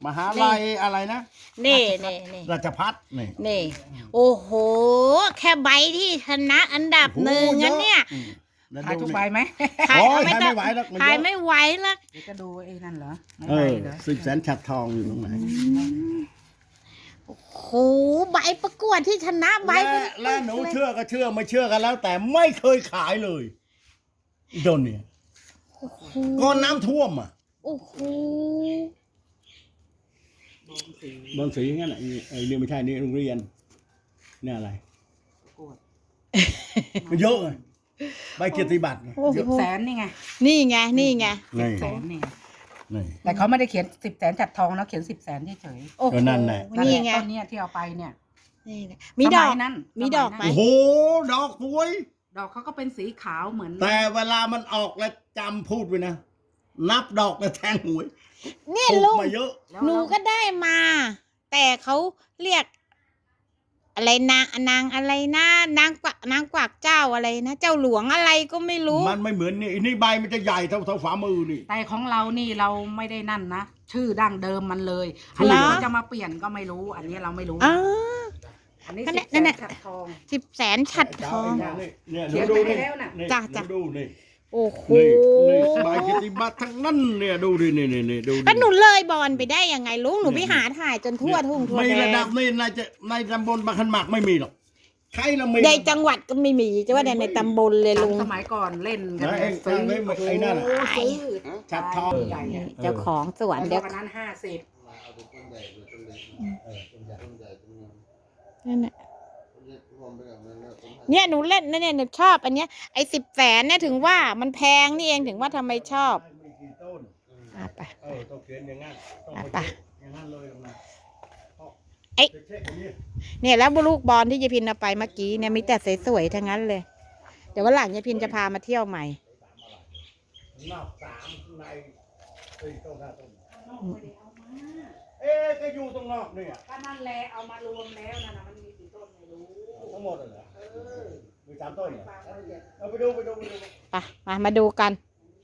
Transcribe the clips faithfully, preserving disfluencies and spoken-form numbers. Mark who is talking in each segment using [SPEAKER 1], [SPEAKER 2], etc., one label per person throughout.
[SPEAKER 1] มหาลัยอะไรนะ
[SPEAKER 2] นี่นี่นี่
[SPEAKER 1] ราชภัฏนี่
[SPEAKER 2] นี่โอ้โหแค่ใบที่ชนะอันดับหนึ่งงั้นเนี่ย
[SPEAKER 3] ขายทุกใบไหม
[SPEAKER 1] ขายไม่ไหวแล้ว
[SPEAKER 2] ขายไม่ไหวแล้ว
[SPEAKER 3] เดี๋ยวจะดูไอ้นั่นเหรอไม่
[SPEAKER 1] เอ
[SPEAKER 3] ไหว
[SPEAKER 1] อ
[SPEAKER 3] เหรอ
[SPEAKER 1] สิบแสนฉัดทองอยู่ตรงไหน
[SPEAKER 2] โอ้โหใบประกวดที่ชนะใบ
[SPEAKER 1] และและหนูเชื่อก็เชื่อไม่เชื่อกันแล้ว แต่ไม่เคยขายเลยโดนเนี่ยก็น้ำท่วมอ่ะ
[SPEAKER 2] โอ้โห
[SPEAKER 1] บอลสีงั้นอ่ะไอ้นี่ไม่ใช่นี่โรงเรียนนี่อะไร
[SPEAKER 3] กวด
[SPEAKER 1] มันเยอะไงใบเกียรติบัตรไง
[SPEAKER 3] สิบแสนนี่ไง
[SPEAKER 2] นี่ไงนี่ไง
[SPEAKER 1] นี่
[SPEAKER 3] แสนนี่ไง
[SPEAKER 1] นี่
[SPEAKER 3] แต่เขาไม่ได้เขียนสิบแสนจัดทองนะเขียนสิบแสนเฉย
[SPEAKER 2] โอ้โห
[SPEAKER 1] ก็นั่นแหละ
[SPEAKER 3] ๆ
[SPEAKER 2] นี่ไง
[SPEAKER 3] ต้นเนี้ยที่เอาไปเนี่ย
[SPEAKER 2] นี่ไงมีดอก
[SPEAKER 3] สยนั้น
[SPEAKER 2] มีดอกไหม
[SPEAKER 1] โอ้โหดอกสวย
[SPEAKER 3] ดอกเขาก็เป็นสีขาวเหมือน
[SPEAKER 1] แต่เวลามันออกแล้วจำพูดไว้นะ นับดอกแล้วแทงหวย
[SPEAKER 2] เนี่ย
[SPEAKER 1] ถูก
[SPEAKER 2] ลุง
[SPEAKER 1] มาเยอะ
[SPEAKER 3] แล้ว
[SPEAKER 2] หนูก็ได้มา แต่เขาเรียก อะไรนางนางอะไรนะนางกวักนางกวักเจ้าอะไรนะเจ้าหลวงอะไรก็ไม่รู้
[SPEAKER 1] มันไม่เหมือนนี่อันนี่ใบมันจะใหญ่เท่าเท่าฝ่ามือนี่
[SPEAKER 3] แต่ของเรานี่เราไม่ได้นั่นนะชื่อดั้งเดิมมันเลยอันนี้
[SPEAKER 2] เหรอ
[SPEAKER 3] เขาจะมาเปลี่ยนก็ไม่รู้ อันนี้เราไม่รู้
[SPEAKER 2] อ๋อ
[SPEAKER 3] อันนี้
[SPEAKER 2] นั่น
[SPEAKER 3] สิ
[SPEAKER 2] แหละ
[SPEAKER 3] บแส
[SPEAKER 2] นั่นแหละ
[SPEAKER 3] นจัดทอง
[SPEAKER 2] สิบแสนฉัดทอง
[SPEAKER 1] นี่เนี่ย
[SPEAKER 3] เขียน
[SPEAKER 1] ดู
[SPEAKER 3] ไป
[SPEAKER 1] นี่
[SPEAKER 3] แล้วน่ะ
[SPEAKER 1] นี่
[SPEAKER 2] จ้ะจ้ะ
[SPEAKER 1] ดูนี่
[SPEAKER 2] โอ้โห
[SPEAKER 1] นี่นี่ใบเกียรติบัตรทั้งนั้นเนี่ยดูดินี่นี่นี่ดูดิ
[SPEAKER 2] แล้วหนูเลยบอลไปได้ยังไงลุงหนูไปหาถ่ายจนทั่วทุ่งทั่ว
[SPEAKER 1] ไม่
[SPEAKER 2] แด
[SPEAKER 1] ระดั
[SPEAKER 2] น
[SPEAKER 1] บนี่ในจะในตำบลบางขันหมากไม่มีหรอกใครละมี
[SPEAKER 2] ในจังหวัดก็ไม่มีจะว่าแต่ในตำบลเลยลุง
[SPEAKER 3] สมัยก่อนเล่นกัน
[SPEAKER 1] นะไอ้
[SPEAKER 3] ซื้อ
[SPEAKER 1] ไอ้ไอ้นั่นน่ะ
[SPEAKER 3] โอ้ซื้อ
[SPEAKER 1] จัดทอง
[SPEAKER 3] ใหญ่อะ
[SPEAKER 2] เจ้าของสวน
[SPEAKER 3] แล้ว
[SPEAKER 2] เดี๋ยว
[SPEAKER 3] วันนั้นห้าสิบ
[SPEAKER 2] นั่นน่ะเนี่ยหนูเล่นนะเนี่ยหนูชอบ อันเนี้ยไอ้สิบแสนเนี่ยถึงว่ามันแพงนี่เองถึงว่าทำไมชอบอ่ะไป
[SPEAKER 1] เออต้องเขียนอย่างนั้นต้อง
[SPEAKER 2] อ่ะ
[SPEAKER 1] ไป
[SPEAKER 2] ไป
[SPEAKER 1] อย่างนั้นเลยนะ
[SPEAKER 2] ไอ้
[SPEAKER 1] เช็คๆอย่างนี้
[SPEAKER 2] เนี่ยแล้วลูกบอลที่ยายพินเอาไปเมื่อกี้เนี่ยมีแต่สวยๆทั้งนั้นเลย เดี๋ยววันหลังยายพินจะพามาเที่ยวใหม่
[SPEAKER 1] นอกสามข้างในเอ้ยต้นหน้าต้นเอ๊ะก็อยู่ตรงนอกเนี่ย
[SPEAKER 3] ก็นั่นแหละเอามารวมแล้วนะนะมันมีกี่ต้นไม่รู้
[SPEAKER 1] ทั้งหมดเลยเหรอ
[SPEAKER 3] เออ
[SPEAKER 1] มีสามต้นเหรอ
[SPEAKER 3] ปลาละเอียด
[SPEAKER 1] เอาไปดูไปดูไปดู
[SPEAKER 2] ไปมามาดูกัน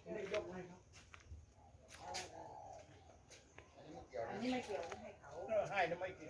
[SPEAKER 3] อันนี้ไม่เกี่ยวให้เขา
[SPEAKER 1] เออให้ทำไมเกี่ยว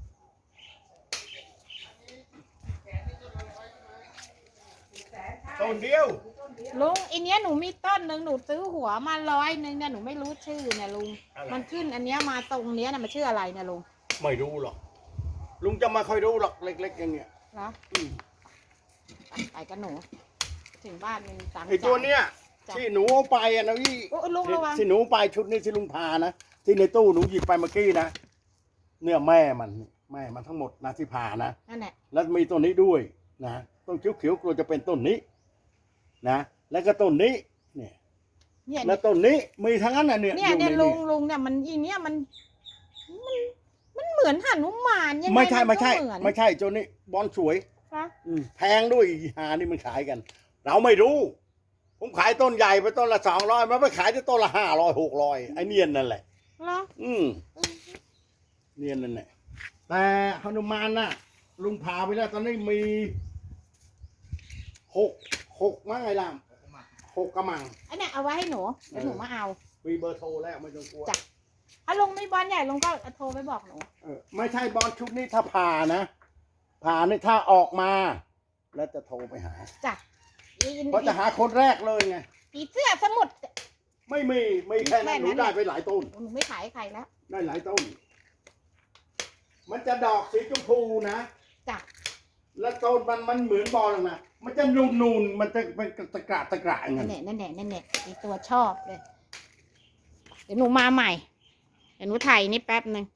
[SPEAKER 1] ต้นเดียว
[SPEAKER 2] ลุงอันเนี้ยหนูมีต้นหนึ่งหนูซื้อหัวมาร้อยหนึ่งเนี่ยหนูไม่รู้ชื่อเนี่ยลุง
[SPEAKER 1] อะไร
[SPEAKER 2] มันขึ้นอันเนี้ยมาตรงเนี้ยนะมันชื่ออะไรเนี่ยลุง
[SPEAKER 1] ไม่รู้หรอกลุงจะไม่ค่อยรู้หรอกเล็กๆอย่างเงี้ย
[SPEAKER 2] เหรอ
[SPEAKER 1] อืม
[SPEAKER 2] ไปไปกันหนู ถึงบ้านมันตังค์
[SPEAKER 1] ไอตัวเนี้ย
[SPEAKER 2] จ้ะ
[SPEAKER 1] ที่หนูเอาไปอะนะพี่
[SPEAKER 2] โอ้ลุงระวัง
[SPEAKER 1] ที่หนูไปชุดนี้ที่ลุงพานะที่ในตู้หนูหยิบไปเมื่อกี้นะเนี่ยแม่มันแม่มันทั้งหมดนะที่พานะ
[SPEAKER 2] นั่นแหละ
[SPEAKER 1] แล้วมีต้นนี้ด้วยนะต้นเขียวๆกลัวจะเป็นต้นนี้นะแล้วก็ต้นนี้เนี่ย
[SPEAKER 2] เนี่ย
[SPEAKER 1] แล้วต้นนี้มีทั้งนั้นน่ะเนี่ย
[SPEAKER 2] เนี่ย
[SPEAKER 1] อ
[SPEAKER 2] เนี่ย
[SPEAKER 1] ใน
[SPEAKER 2] ลุงลุงเนี่ยมันอีเนี่ยมันมันมันเหมือนหนุมานยังไง
[SPEAKER 1] ไม่ใช่ไม่ใช่
[SPEAKER 2] นก็เหอน
[SPEAKER 1] ไม่ใช่ตัวนี้บอลสวย
[SPEAKER 2] คะ
[SPEAKER 1] อืมแพงด้วยอีหานี่มันขายกัน เราไม่รู้ ผมขายต้นใหญ่ไปต้นละสองร้อยมันไปขายที่ต้นละห้าร้อยหกร้อยไอ้เนียนนั่นแหละ
[SPEAKER 2] เหรอ
[SPEAKER 1] อืมเนียนนั่นแหละแต่หนุมานน่ะ ลุงพาไปแล้วตอนนี้มีหกหกมั้งไอ้ลามหกกระมัง
[SPEAKER 2] อันเนี้ยเอาไว้ให้หนูเดี๋ยวหนูมาเอา
[SPEAKER 1] มีเบอร์โทรแล้วไม่ต้องกลัว
[SPEAKER 2] จ้ะ ถ้าลุงไม่บอลใหญ่ลุงก็โทรไปบอกหนู
[SPEAKER 1] เออไม่ใช่บอลชุดนี้ถ้าผ่านะผ่านี่ถ้าออกมา แล้วจะโทรไปหา
[SPEAKER 2] จ้ะอี
[SPEAKER 1] เพราะจะหาคนแรกเลยไง
[SPEAKER 2] อีเสื้อสมุด
[SPEAKER 1] ไม่มีไม่แค่นั้นหนูได้ไปหลายต้น
[SPEAKER 2] หนูไม่ขายให้ใครแล้ว
[SPEAKER 1] ได้หลายต้น มันจะดอกสีชมพูนะ
[SPEAKER 2] จ้ะ
[SPEAKER 1] แล้วต้นมันมันเหมือนบอลนะมันจะนูนนูนๆมันจะเป็นตะกระตะกระอย่าง
[SPEAKER 2] นั่
[SPEAKER 1] นั้น น
[SPEAKER 2] แหละนั่นแหละนั่นแหละอีตัวชอบเลย เดี๋ยวหนูมาใหม่ เดี๋ยวหนูถ่ายนี่แป๊บหนึ่ง